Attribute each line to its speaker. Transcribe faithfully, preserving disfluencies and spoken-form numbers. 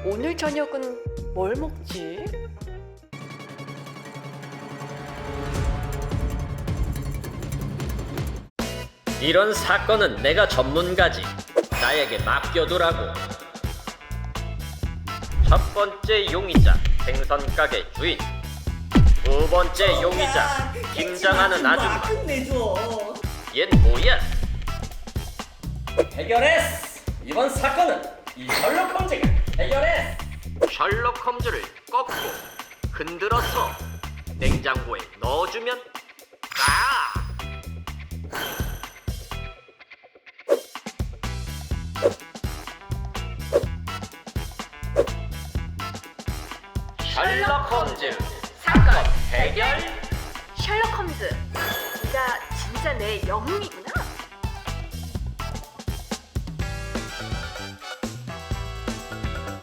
Speaker 1: 오늘 저녁은 뭘 먹지?
Speaker 2: 이런 사건은 내가 전문가지. 나에게 맡겨두라고. 첫 번째 용의자, 생선 가게 주인. 두 번째 용의자, 김장하는 아줌마.
Speaker 3: 끝내줘.
Speaker 2: 얜 뭐야?
Speaker 4: 해결했어. 이번 사건은 이 셜록 홈즈가 해결했어.
Speaker 2: 셜록 홈즈를 꺾고 흔들어서 냉장고에 넣어주면 아! 셜록 홈즈 사건 해결.
Speaker 1: 셜록 홈즈, 네가 진짜 내 영웅이구나.